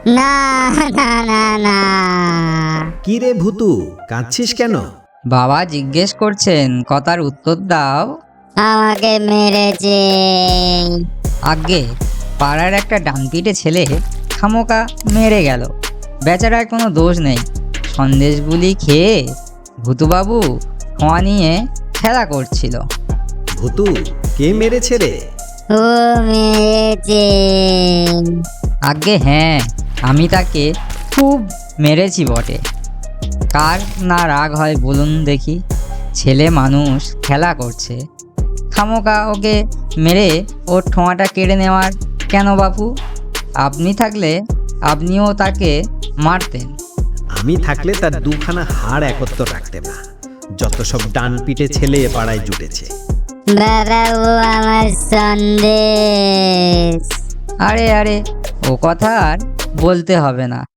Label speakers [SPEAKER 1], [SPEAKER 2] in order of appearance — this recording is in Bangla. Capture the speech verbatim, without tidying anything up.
[SPEAKER 1] না না না না।
[SPEAKER 2] কি রে ভূতু, কাঁদছিস কেন?
[SPEAKER 3] বাবা জিজ্ঞেস করছেন, কথার উত্তর দাও।
[SPEAKER 1] আমাকে মেরেছে।
[SPEAKER 3] আগে পাড়ার একটা ডানপিটে ছেলে খামোকা মেরে গেল। বেচারার কোনো দোষ নেই। সন্দেশগুলি খেয়ে ভূতুবাবু খোয়া নিয়ে খেলা করছিল।
[SPEAKER 2] ভূতু, কে মেরেছে রে?
[SPEAKER 1] ও মেরেছে।
[SPEAKER 3] আগে হ্যাঁ, আমি তাকে খুব মেরেছি বটে। কার না রাগ হয় বলুন দেখি? ছেলে মানুষ খেলা করছে, খামোকা ওকে মেরে ওর ঠোঁয়াটা কেড়ে নেওয়ার কেন বাপু? আপনি থাকলে আপনিও তাকে মারতেন।
[SPEAKER 2] আমি থাকলে তার দুখানা হাড় একত্র রাখতে না। যত সব ডান পিটে ছেলে এ পাড়ায় জুটেছে।
[SPEAKER 1] বাবা, ও আমার সন্দেশ।
[SPEAKER 3] আরে আরে, ও কথা আর বলতে হবে না।